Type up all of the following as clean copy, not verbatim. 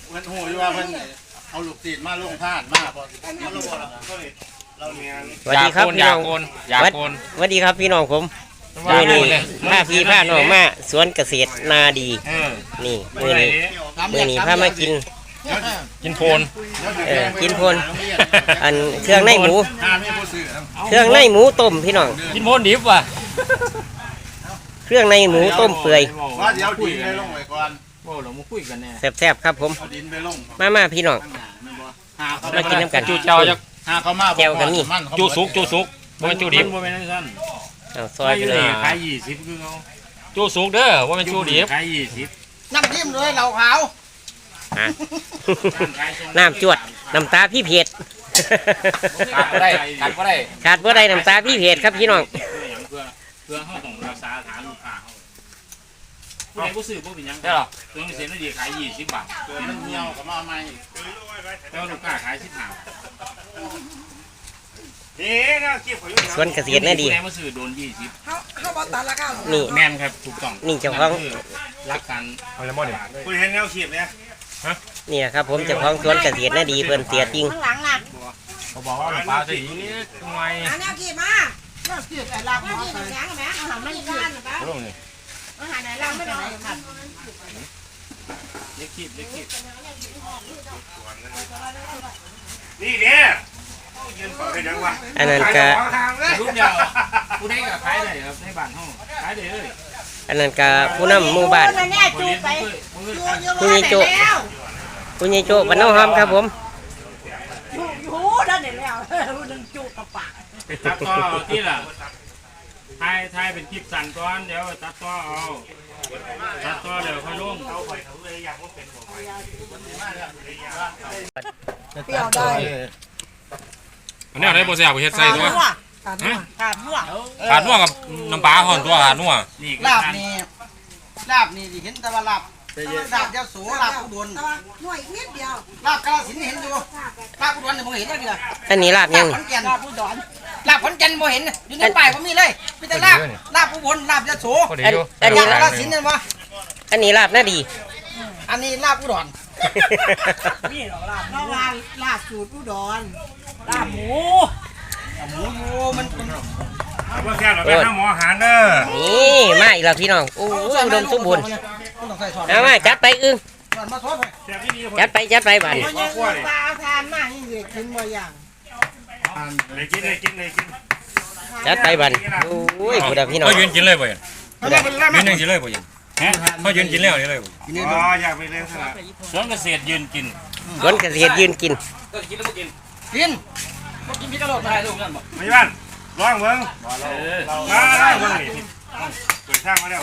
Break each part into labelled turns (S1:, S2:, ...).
S1: เพิ่นหูอยู่ว่าเพิ่นเอาลูกศิษย์มาลงทานมาพอมาลงบ่ล่ะเราเมีย
S2: สวัสดีครับพี่น้องสวัสดีครับพี่น้องผมนี่ผ้าพี่ผ้าน้องมาสวนเกษตรนาดีนี่มือนี้ผ้ามากินโพนกินโพนอันเครื่องในหมูเครื่องในหมูต้มพี่น้อง
S3: กินโพนดิบว่ะ
S2: เครื่องในหมูต้มเปื่อย
S1: ว่าเดี๋ยวดินไปลงไว้ก่อน
S3: โอ้เรามาคุยกันแน่
S2: แซ่บๆครับผมมาพี่น้องมากินน้ำกัน
S3: จูเจ้าจะ
S2: แก้วกันนี่
S3: จูสุกบ่เป็นจูดิบบ่เป็นนั่น
S2: ซอยไปเลย
S3: ขาย20คือเขาจูสุกเด้อบ่เป็นจูดิบขาย20
S4: น้ำจิ้มเลยเหล่าขาว
S2: น้ำจวดน้ำตาพี่เพชร
S3: ขาดบ่ได้
S2: ขาดบ่ได้น้ำตาพี่เพชรครับพี่น้อง
S3: เพื่อเขาต้องรักษาฐานลูกค้าเขาผู้ใดผู้ซื้อผู้เป็นยังได้หรอเครื่องเสียงดีขาย20 บาท
S1: เกินมันเหี่ยวก็มาใหม่
S3: แล้วลูกค้าขาย15
S2: สวนเกษตรน่าดี
S3: มาซื้อโดน20
S4: เขาบอกตัดราคา
S2: นี่
S3: แม่นครับถูกต้อง
S2: นี่เจ้าของ
S3: รักกัน
S1: อะไรหมดเนี่ยคุณเห็นแนวขีดเนี่ย
S2: นี่ครับผมเจ้าของสวนเกษตรน่าดีเพิ่นเสียจริง
S4: ข้างหลังน่ะ
S3: เขาบอกว่าปลาสิทำไม
S4: แนวขีดมาแนวขีดแต่ลาบมาใส่แหนงแหนงอาหารไม่ได้หรือเปล่าอาหารไหนลาบไม่ได้ครับ
S3: เล็กขีด
S1: นี่เนี่ยยืนเปิดได้ยังวะ
S2: อันนั้นก็
S3: รูปยาวผู้ใดก็ขายได้ครับในบ้านห้องขายได้เลย
S2: อันนั้นก็ผู้นำหมู่บ้านผู้ใหญ่โจบ้านน้องหอมครับผม
S4: อยู่ด้านไหนแล้วผู้นึงจูกับปาก
S3: ตัดต่อที่ล่ะทายเป็นคลิปสั่นก่อนเดี๋ยวตัดต่อเอาตัดต่อเดี๋ยวค่อยลง
S4: เปรี้ยวได้
S3: อันนี้อะไรโบเซียกูเฮ็ดใส่ตัว
S4: ขาดนัว
S3: กับน้ำปลาห่อนตัวขาดนัว
S4: ลาบนี่เห็นแต่ว่าลาบเจ้าสูลาบอุบลหน่วยนิดเดียวลาบกาฬสินธุ์เห็นอยู่ลาบอุบลเนี่ยผมเห็นได้เลย
S2: อันนี้ลาบยัง
S4: ลาบอุดรลาบขอนแก่นผมเห็นอยู่ในป่ายผมมีเลยมีแต่ลาบอุบลลาบยโส
S2: อันนี้
S4: กาฬสินธุ์เนี่ยวะ
S2: อันนี้ลาบน่าดี
S4: อันนี้ลาบอุดรนี่หรอลาบสูตรอุดรลาบหมูอยู่มัน
S1: เพื่อนเราไปหาหมออาหารเด้อ
S2: นี่มาอีกแล้วพี่น้องโอ้อุดมสมบูรณ์มาจัดไปอึ้งจัดไปบ้าน
S4: ทานมากนี่เด็กกินบ่อย่าง
S1: เลยกิน
S2: จัดไปบ้านโอ้ยผู้ดาพี่น้อง
S3: เขายืนกินเลยบ่ยืนกินเลยบ่เขายืนกินแล้วนี่เลย
S1: อ๋ออยากไปเลยครับ
S3: สวนเกษตรยืนกิน
S2: สวนเกษตรยืนกิน
S3: กินแล้วกิน
S4: พี่กระโดดตายลูกนั่นบ่
S1: ไม่บ้านร้องเมืองมาเมืองนี่เปิดช่างมาแล้ว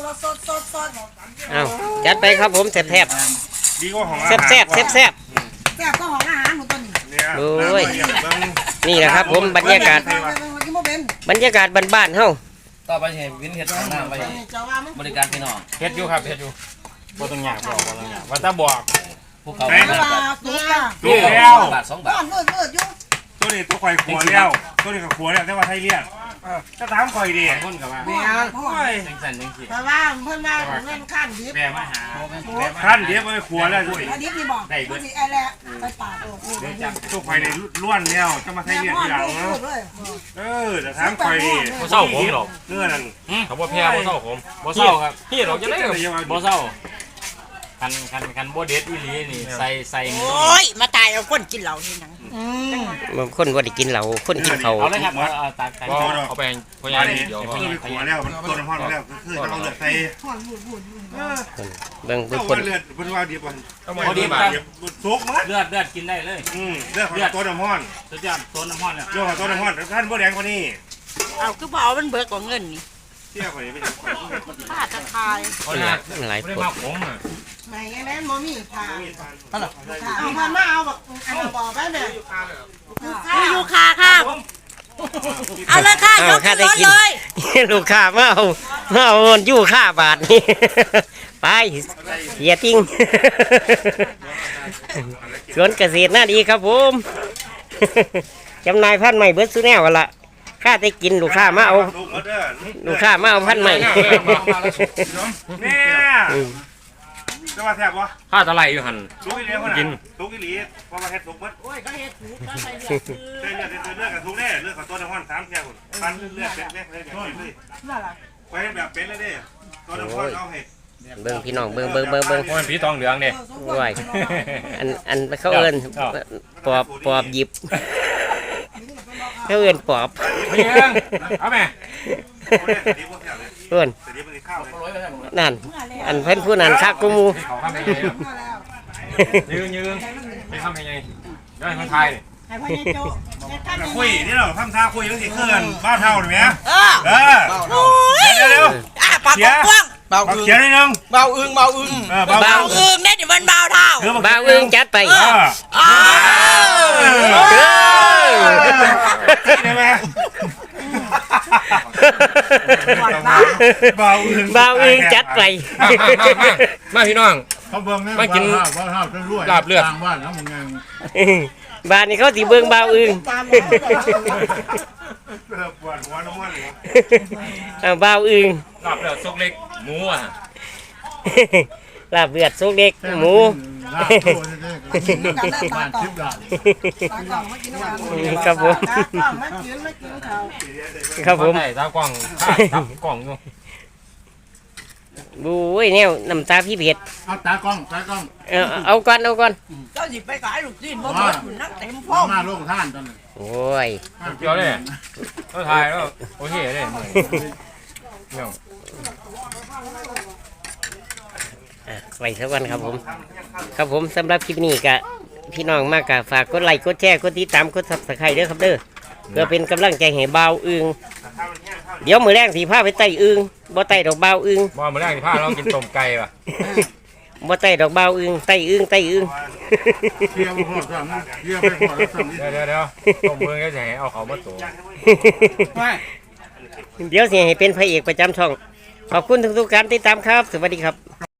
S2: เอาจัดไปครับผมแซ่บ
S1: ดีกว่าของ
S2: แซ่บ
S4: แซ่บก็ของอาหารหมดตัวนี้
S2: โอ้ยนี่แหละครับผมบรรยากาศบ้านๆเฮา
S3: ต่อไปเห็นวินเฮ็ดน้ำไปบริการพี่น้องเฮ็ดอยู่ครับเฮ็ดอยู่บ่ต้องยากบอกว่าถ้าบอกพวกเขา
S1: ลูกแล้ว
S3: บาท2 บาท
S1: ตัวนี้ตัวข่อยขัวแล้วตัวนี้กับขัวแล้วแต่ว่าไทยเรียกจะถามข่อยดี
S3: คนกับว่าจังสิ
S4: เพราะว่าเพิ่นมาเงินขั้นดิบ
S3: แม่มาหา
S1: ขั้นดิบไปขัวแล้วด้วย
S4: ดิบนี่บอกได้ด้วยไอ้แหละไปปาด
S1: ตัวข่อยในล้วนแล้วจะมาไทยเรียกทีหลังเนาะจะถามข่อยดี
S3: บ่เศร้าผมหรอก
S1: เงื่อนั่น
S3: เขาบ่แพ้บ่เศร้าผมบ่เศร้าครับพี่หรอกจะได้บ่เศร้าคันโบเด็ดอีหลีนี่ใส่
S4: โอ้ยมาตายเอาคนกินเหล้านี่นัง
S2: มันคนว่าได้กินเหล้าคนกินเขา
S3: เอาเลยครับเอาตากันเอาไปพยานเดียว
S1: เขาไปขัวแล้วมันต้นพ่อแล้วคือเอาเลือดใส่
S2: เบิ่งคน
S1: เลือดเป็นว่าดีกว่า
S3: เอาดีครับ
S1: ซุกมั้ย
S3: เลือดกินได้เลย
S1: เลือดของต้นน้ำห้อน
S3: สุดยอดต้นน้ำห้อนเนี่ย
S1: เลือดของต้นน้ำห้อนท่านบ่แดงกว่านี้
S4: เอาคือบ่เอามันเบิกกว่าเงินนี่
S1: เที่ยวข่อยไม่ได้
S4: ป้าจะทาย
S2: หลายคน
S3: มาผมอ่ะ
S4: ไม่งั้นแม่มีทานเอาพันมาเอาแบบเอาบอกไปแม่อยู่คาค่ะเอาเลยค่ะยกรถเลย
S2: ลูกค้ามาเอาอยู่ค่าบาทนี่ไปเสียติ้งสวนเกษตรน่าดีครับผมจำนายพันธุ์ใหม่เบิร์ดซูแนวกันละข้าได้กินลูกค้ามาเอาพันธุ์ใหม่
S1: จะมาแทบวะ
S3: ผ้าตะไลอยู่หัน
S1: สุกอีหลีคนน่ะสุกอีหลีเพราะว่าเฮ็ดสุกเบิด
S4: โอ้ยก็เฮ็ดถูกก็ใส่เลือดคือ
S1: เลือดกับสุกแน่เลือดกับตัวน้ำมัน3เที่ยวคนปั้นเลือดเป็ดแม่เลยแบบเป็ดเลย
S4: นั่นล่ะ
S1: ไปแบบเป็ดเลยเด้ตัวน้ำมันเอาให้
S2: เบิ่งพี่น้องเบิ่ง
S3: โอ้ยผีตองเหลืองเด้
S2: ว้ายอันเขาเอิ้นปอบหยิบเขาเอิ้นปอบ
S3: ไม่เองเอาแม่
S2: เพิ่นนั่นอันเพิ่นผู้นั้นคักกูหมู่
S3: เขาทำยังไงยืนไม่ทำยังไงได้คนไทย
S4: ให้พ่อใหญ่โจ้ให้ท่าน
S1: คุยนี่เราทำท่าคุยตั้งแต่เคลื่อนบ้าเท่าหรือไงเออ
S4: โอ้ย
S1: เดี๋ยว
S4: ปากกว้าง
S1: เบาเขียนนิดนึง
S4: เบาอึ้งเนี่ยเดี๋ยวมันเบาเท่า
S2: บ่าวอึ้งจัดไป
S1: ได้ไหมเบาอึ้ง
S2: บ่าวอึ้งจัดไป
S3: มาพี่น้อง
S5: เขาเบิ่งแม่
S3: มากิน
S5: ว่าเท่าจะรวย
S3: ลาบเลือด
S5: ทางบ้านแล้วมึงไง
S2: บ้านนี้เขาสิเบิ่งบ่าวอึ้ง
S1: ปวดหัวน้ำมันเหรอ
S2: บ่าวอึ้ง
S3: ลาบเลือดซุกเล็กหมูอ่ะ
S2: ลาบเลือดสุกเล็กหมู
S5: ลาบโตนี่ๆบ้านทิพย์ด่าน
S4: ตากล่องมากินกัน
S2: ครับผม
S4: ตากล่องมากินเขา
S2: ครับผม
S3: ใช่ตากล้องทับกล้องอยู่
S2: บู้ยแนวน้ำตาพี่เผ็ด
S5: เอาตากล้อง
S2: เอาก่อน
S4: เจ้าสิไปขายลูกชิ้นบ่หมดอยู่นักเต็มพ่อ
S5: มาลงท่านตอนนี้
S2: โอ้ย
S3: เกี่ยวเลยก็ถ่ายแล้วโอเคเลยเนี่ย
S2: ไปสักวันครับผม ครับผมสำหรับคลิปนี้กะพี่น้องมากกะฝากกดไลค์กดแชร์กดติดตามกดซับสไครต์เด้อครับเด้อเพื่อเป็นกำลังใจให้บ่าวอึงเดี๋ยวมือแรงสีผ้าไปไต่อึงบ่ไต่ดอกบ่าวอึง
S3: บ่มาแรกที่พาเรากินต้มไก่ป่ะ
S2: บ่ไต่ดอกบ่าวอึงไต่อึง
S5: เที่ยวพ่อสั่งเที่ยวไปพ่อแล้วสั่งนี่
S3: เดี๋ยวต้มเมืองจะให้เอาเขามาตัว
S2: เดี๋ยวสิให้เป็นพระเอกประจำช่อง ขอบคุณทุกๆการติดตามครับ สวัสดีครับ